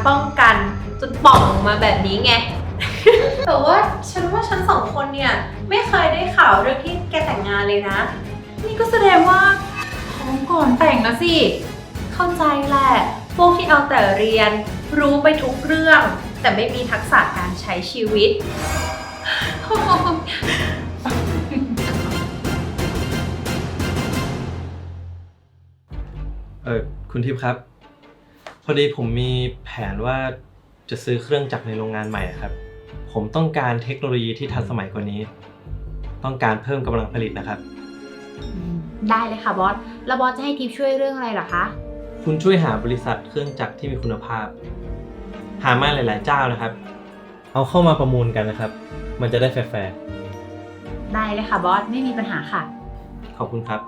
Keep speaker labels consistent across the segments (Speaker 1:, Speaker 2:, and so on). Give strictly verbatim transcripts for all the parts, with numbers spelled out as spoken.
Speaker 1: ป้องกันจนป่องออกมาแบบนี้ไง แต่ว่าฉันว่าฉันสองคนเนี่ยไม่เคยได้ข่าวเรื่องที่แกแต่งงานเลยนะ
Speaker 2: นี่ก็แสดงว่าท้องก่อนแต่งนะสิ
Speaker 1: เข้าใจแหละพวกที่เอาแต่เรียนรู้ไปทุกเรื่อง แต่ไม่มีทักษะการใช้ชีวิต
Speaker 3: เออคุณทิพย์ครับ พอดีผมมีแผนว่าจะซื้อเครื่องจักรในโรงงานใหม่ครับผมต้องการเทคโนโลยีที่ทันสมัยกว่านี้ ต้องการเพิ่มกำลังผลิตนะครับ
Speaker 2: ได้เลยค่ะบอส แล้วบอสจะให้ทิปช่วยเรื่องอะไรเหรอคะ
Speaker 3: คุณช่วยหาบริษัทเครื่องจักรที่มีคุณภาพ หามาหลายๆเจ้านะครับ เอาเข้ามาประมูลกันนะครับ มันจะได้แฟร์
Speaker 2: ได้เลยค่ะบอส ไม่มีปัญหาค่ะ
Speaker 3: ๆขอบคุณครับ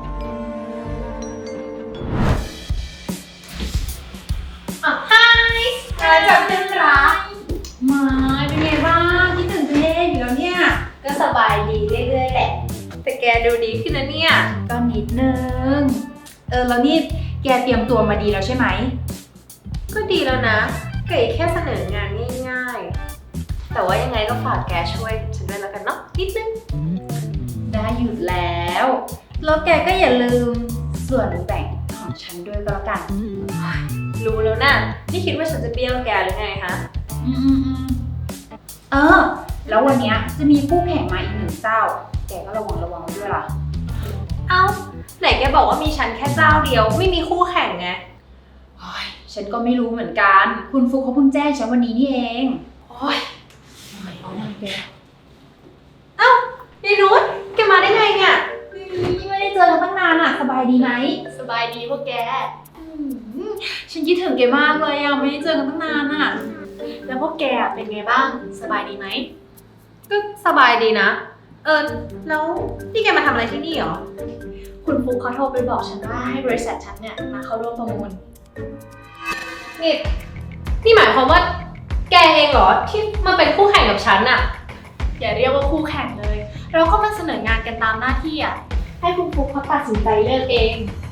Speaker 1: อ่ะไฮอะไรแบบเพื่อนรัก
Speaker 2: มาเป็นไงบ้างคิดถึงเพลงอยู่แล้วเนี่ย
Speaker 1: ก็สบายดีเรื่อยๆแหละ แต่แกดูดีขึ้นนะเนี่ย
Speaker 2: ก็นิดนึง เออแล้วนี่แกเตรียมตัวมาดีแล้วใช่ไหม
Speaker 1: ก็ดีแล้วนะเก๋แค่เสนองานง่ายๆ แต่ว่ายังไงก็ฝากแกช่วยฉันด้วยแล้วกันเนาะนิดนึง
Speaker 2: ได้อยู่แล้ว แล้วแกก็อย่าลืมส่วนแบ่งของฉันด้วยก็แล้วกัน
Speaker 1: รู้แล้วนะนี่คิดว่าฉันจะเบี้ยวแกหรือไงคะ
Speaker 2: อืมเออ แล้ววันเนี้ยจะมีคู่แข่งมาอีกหนึ่งเจ้า แกก็ระวังระวังด้วยล่ะ
Speaker 1: เอ้าไหนแกบอกว่ามีฉันแค่เจ้าเดียวไม่มีคู่แข่งไง
Speaker 2: โอ้ยฉันก็ไม่รู้เหมือนกัน คุณฟุกเขาเพิ่งแจ้งฉันวันนี้นี่เอง
Speaker 1: โอ้ย
Speaker 2: เอาหน้าแก
Speaker 1: เอ้ายายนุชแกมาได้ไงเนี่ย
Speaker 2: ไม่ได้เจอกันตั้งนานอ่ะ สบายดีไหม
Speaker 1: สบายดีพวกแก
Speaker 2: ฉันคิดถึงแกมากเลยอ่ะ ไม่ได้เจอกันตั้งนานอ่ะ
Speaker 1: แล้วพวกแกเป็นไงบ้างสบายดีไหมก็สบายดีนะ เออแล้วนี่แกมาทำอะไรที่นี่หรอ
Speaker 4: คุณฟุกเขาโทรไปบอกฉันว่าให้บริษัทฉันเนี่ยมาเข้าร่วมประมูล
Speaker 1: นี่นี่หมายความว่าแกเองเหรอที่มาเป็นคู่แข่งกับฉันอะ
Speaker 4: อย่าเรียกว่าคู่แข่งเลย เราก็มาเสนองานกันตามหน้าที่อ่ะ ให้คุณฟุกเขาตัดสินใจเลือกเอง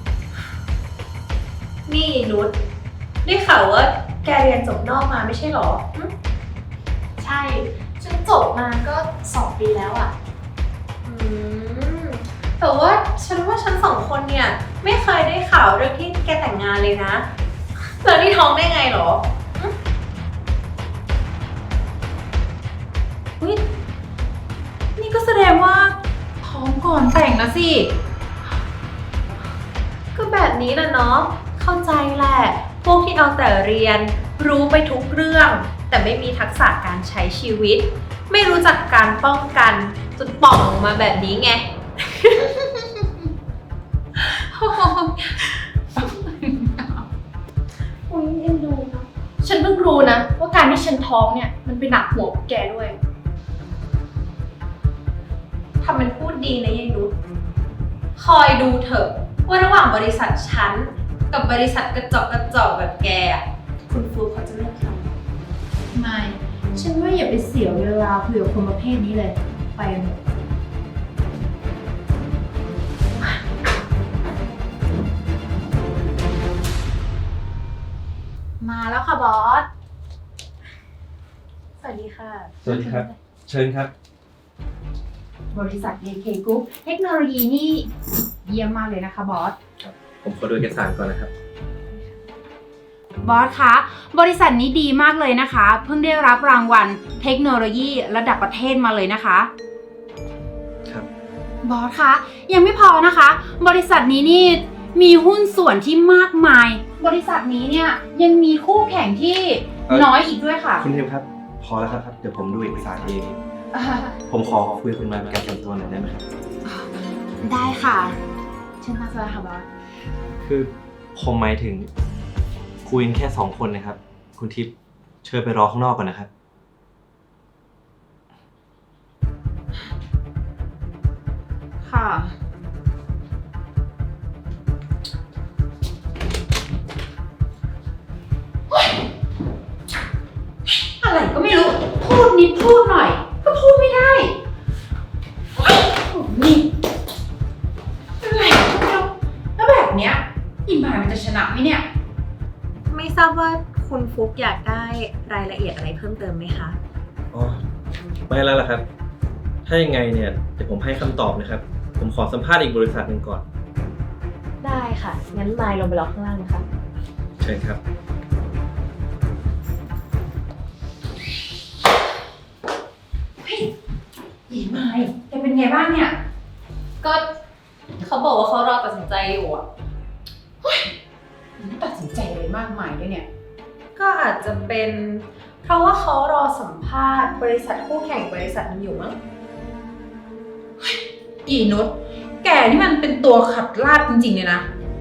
Speaker 1: นี่นุชได้ข่าวว่าแกเรียนจบนอกมาไม่ใช่เหรอหึ
Speaker 4: ใช่ ฉันจบมาก็สองปีแล้วอ่ะ
Speaker 1: อืมแต่ว่าฉันว่าฉันสองคนเนี่ยไม่เคยได้ข่าวเรื่องที่แกแต่งงานเลยนะแล้วนี่ท้องได้ไงเหรอหึอุ๊ย
Speaker 2: นี่ก็แสดงว่าท้องก่อนแต่งนะสิ
Speaker 1: ก็แบบนี้แหละเนาะเข้าใจแหละพวกที่เอาแต่เรียนรู้ไปทุกเรื่อง แต่ไม่มีทักษะการใช้ชีวิต ไม่รู้จักการป้องกันจนป่องออกมาแบบนี้ไง
Speaker 4: อุ้ยเอ็นดูเนาะฉันเพิ่งรู้นะว่าการที่ฉันท้องเนี่ยมันเป็นหนักหัวพวกแกด้วย
Speaker 1: ทำเป็นพูดดีนะยายนุชคอยดูเถอะว่าระหว่างบริษัทฉันกับบริษัทกระจอกกระจอกแบบแกอะคุณฟลุ๊กเขาจะเลือกใคร
Speaker 2: ไม่ ฉันว่าอย่าไปเสียเวลาคุยกับคนประเภทนี้เลย ไปกันเถอะมาแล้วค่ะบอส
Speaker 1: สวัสดีค่ะ
Speaker 3: สวัสดีครับ เชิญครับ
Speaker 2: บริษัท เอ เค Group เทคโนโลยีนี่เยี่ยมมากเลยนะคะบอส
Speaker 3: ผมขอดูเอกสารก่อนนะครับ
Speaker 2: บอสคะ บริษัทนี้ดีมากเลยนะคะ เพิ่งได้รับรางวัลเทคโนโลยีระดับประเทศมาเลยนะคะ
Speaker 3: ครับ
Speaker 2: บอสคะ ยังไม่พอนะคะ บริษัทนี้นี่มีหุ้นส่วนที่มากมาย บริษัทนี้เนี่ยยังมีคู่แข่งที่
Speaker 3: เอ่อ
Speaker 2: น้อยอีกด้วยค่ะ
Speaker 3: คุณทิพย์ครับ พอแล้วครับ เดี๋ยวผมดูเอกสารเอง
Speaker 2: อ่า
Speaker 3: ผมขอคุยกับคุณมาเป็นการส่วนตัวหน่อยได้ไหมครับ
Speaker 2: ได้ค่ะเชิญนั่งสบายค่ะบอส
Speaker 3: คือผมหมายถึงคุยกันแค่สองคนนะครับ คุณทิพย์เชิญไปรอข้างนอกก่อนนะครับ
Speaker 2: ค่ะ อะไรก็ไม่รู้ พูดนิดพูดหน่อย ก็พูดไม่ได้โอ๊ยนี่อะไรก็ไม่รู้แล้วแบบเนี้ยอิมายมันจะชนะไหมเนี่ย
Speaker 1: ไม่ทราบว่าคุณฟุกอยากได้รายละเอียดอะไรเพิ่มเติมไหมคะ
Speaker 3: อ๋อ ไม่แล้วล่ะครับ ถ้ายังไงเนี่ยเดี๋ยวผมให้คำตอบนะครับ ผมขอสัมภาษณ์อีกบริษัทหนึ่งก่อน
Speaker 1: ได้ค่ะ งั้นมายลงไปรอข้างล่างนะคะ
Speaker 3: เชิญครับ
Speaker 2: หญิงไม้แกเป็นไงบ้างเนี่ย
Speaker 1: ก็เขาบอกว่าเขารอตัดสินใจอยู่อ่ะ
Speaker 2: ไม่ตัดสินใจอะไรมากมายด้วยเนี่ย
Speaker 1: ก็อาจจะเป็นเพราะว่าเขารอสัมภาษณ์บริษัทคู่แข่งบริษัทนึงอยู่มั้ง
Speaker 2: อีนุชแกนี่มันเป็นตัวขัดลาดจริงๆเลยนะ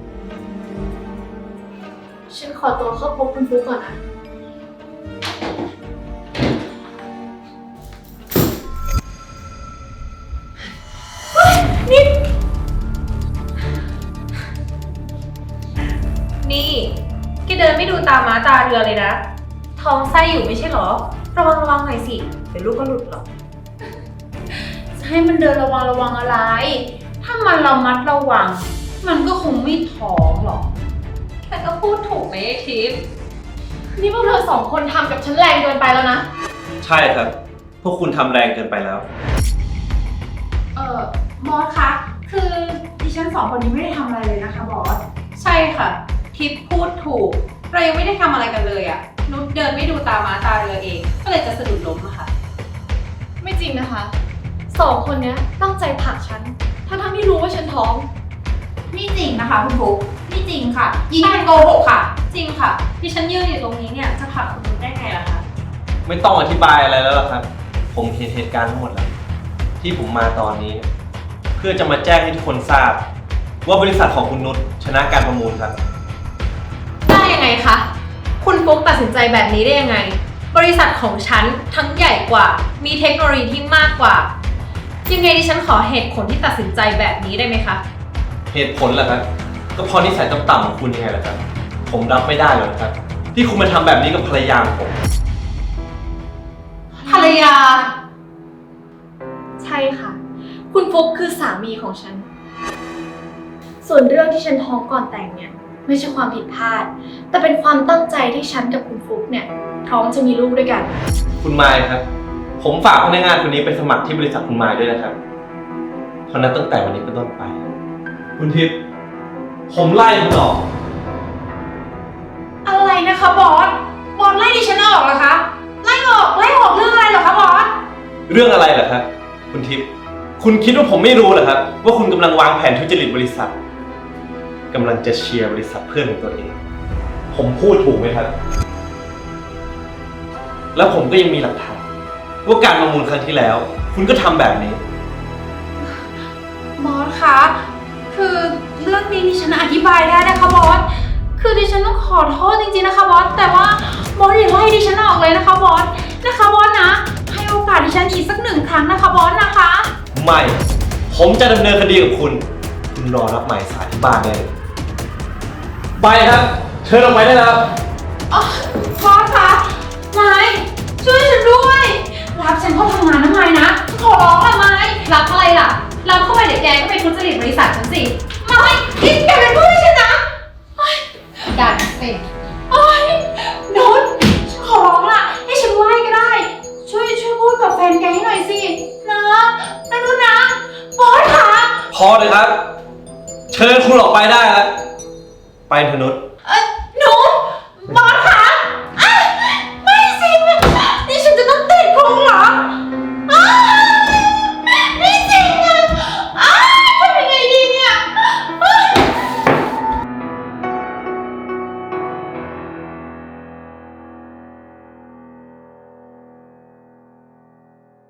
Speaker 4: ฉันขอตัวเข้าพบคุณฟุกก่อนนะ
Speaker 1: นี่แกเดินไม่ดูตาม้าตาเรือเลยนะ ท้องไส้อยู่ไม่ใช่เหรอ ระวังระวังหน่อยสิ เดี๋ยวลูกก็หลุดหรอก
Speaker 2: จะให้มันเดินระวังระวังอะไร ถ้ามันระมัดระวัง มันก็คงไม่ท้องหรอก
Speaker 1: แต่ก็พูดถูกไหมไอ้ทิพย์
Speaker 4: นี่พวกเธอสองคนทำกับฉันแรงเกินไปแล้วนะ
Speaker 3: ใช่ครับ พวกคุณทำแรงเกินไปแล้ว
Speaker 2: เออมอสคะ คือดิฉันสองคนนี้ไม่ได้ทำอะไรเลยนะคะบอส
Speaker 1: ใช่ค่ะ ทิพย์พูดถูก เรายังไม่ได้ทำอะไรกันเลยอะนุชเดินไม่ดูตาม้าตาเรือเอง ก็เลยจะสะดุดล้มอะค่ะ
Speaker 4: ไม่จริงนะคะ สองคนเนี้ยตั้งใจผลักฉัน ทั้งทั้งๆที่รู้ว่าฉันท้อง
Speaker 2: นี่จริงนะคะคุณฟุกนี่จริงค่ะยิงเป็นโกหกค่ะ
Speaker 1: จริงค่ะ ที่ฉันยืนอยู่ตรงนี้เนี่ยจะผลักคุณนุชได้ไงล่ะคะ
Speaker 3: ไม่ต้องอธิบายอะไรแล้วล่ะครับ ผมเห็นเหตุการณ์ทั้งหมดแล้ว ที่ผมมาตอนนี้ เพื่อจะมาแจ้งให้ทุกคนทราบ ว่าบริษัทของคุณนุชชนะการประมูลครับ
Speaker 1: ได้ยังไงคะ คุณฟุ๊กตัดสินใจแบบนี้ได้ยังไง บริษัทของฉันทั้งใหญ่กว่า มีเทคโนโลยีที่มากกว่า ยังไงดิฉันขอเหตุผลที่ตัดสินใจแบบนี้ได้ไหมคะ
Speaker 3: เหตุผลเหรอครับ ก็เพราะนิสัยต่ำๆของคุณยังไงล่ะครับ ผมรับไม่ได้เลยครับ ที่คุณมาทำแบบนี้กับภรรยาของผม
Speaker 1: ภรรยา
Speaker 4: ใช่ค่ะ คุณฟุกคือสามีของฉัน ส่วนเรื่องที่ฉันท้องก่อนแต่งเนี่ย ไม่ใช่ความผิดพลาด แต่เป็นความตั้งใจที่ฉันกับคุณฟุกเนี่ยพร้อมจะมีลูกด้วยกัน
Speaker 3: คุณมายครับ ผมฝากพนักงานคนนี้ไปสมัครที่บริษัทคุณมายด้วยนะครับ เพราะนั้นตั้งแต่วันนี้เป็นต้นไป คุณทิพย์ผมไล่คุณออก
Speaker 2: อะไรนะคะบอส บอสไล่ดิฉันออกเหรอคะ ไล่ออก ไล่ออกเรื่องอะไรเหรอคะบอส
Speaker 3: เรื่องอะไรเหรอครับ คุณทิพย์คุณคิดว่าผมไม่รู้เหรอครับ ว่าคุณกำลังวางแผนทุจริตบริษัทกำลังจะเชียร์บริษัทเพื่อนของตัวเอง ผมพูดถูกไหมครับ แล้วผมก็ยังมีหลักฐานว่าการประมูลครั้งที่แล้ว คุณก็ทำแบบนี้
Speaker 2: บอสคะ คือเรื่องนี้ดิฉันอธิบายได้นะคะบอส คือดิฉันต้องขอโทษจริงๆนะคะบอส แต่ว่าบอสอย่าไล่ดิฉันออกเลยนะคะบอส นะคะบอสนะ ให้โอกาสดิฉันอีกสักหนึ่งครั้งนะคะบอสนะคะ
Speaker 3: ไม่ ผมจะดำเนินคดีกับคุณ คุณรอรับหมายสารที่บ้านได้เลย ไปครับ เชิญออกไปได้แล้ว
Speaker 2: อ๋อบอสคะไม้ช่วยฉันด้วย รับฉันเข้าทำงานนะไม้นะ ขอร้องละไม้
Speaker 1: รับอะไรล่ะ รับเข้าไปเดี๋ยวแกก็ไปทุจริตบริษัทฉันสิ
Speaker 2: ไม้คิดแกเป็นเพื่อนฉันนะ
Speaker 1: ดันเป็น
Speaker 2: โอ๊ยนุชฉันขอร้องล่ะ ให้ฉันไล่ก็ได้ ช่วยช่วยพูดกับแฟนแกให้หน่อยสิ นะนะนุชนะ บอสคะ
Speaker 3: พอเลยครับ เชิญคุณออกไปได้แล้ว ไปเถอะนุช